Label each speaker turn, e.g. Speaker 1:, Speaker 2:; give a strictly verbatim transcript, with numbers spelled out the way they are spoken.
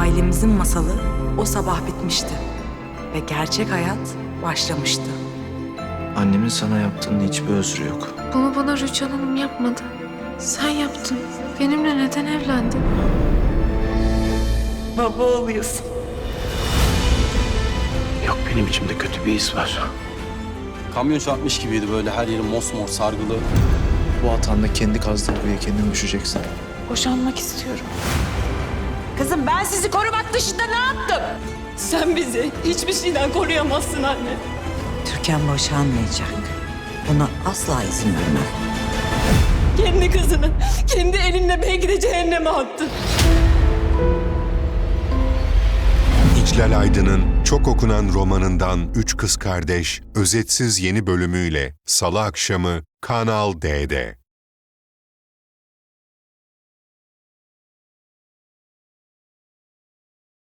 Speaker 1: Ailemizin masalı o sabah bitmişti. Ve gerçek hayat başlamıştı.
Speaker 2: Annemin sana yaptığının hiçbir özrü yok.
Speaker 3: Bunu bana Rüçhan Hanım yapmadı. Sen yaptın. Benimle neden evlendin?
Speaker 1: Baba oluyorsun.
Speaker 4: Yok, benim içimde kötü bir his var.
Speaker 5: Kamyon çarpmış gibiydi, böyle her yeri mosmor sargılı.
Speaker 2: Bu hatanda kendi kazdığın kuyuya kendin düşeceksin.
Speaker 3: Boşanmak istiyorum.
Speaker 1: Kızım ben sizi korumak dışında ne yaptım?
Speaker 6: Sen bizi hiçbir şeyden koruyamazsın anne.
Speaker 1: Türkan boşanmayacak. Buna asla izin vermem.
Speaker 6: Kendi kızını kendi elinle belki de cehenneme attın.
Speaker 7: İclal Aydın'ın çok okunan romanından Üç Kız Kardeş, özetsiz yeni bölümüyle Salı akşamı Kanal D'de.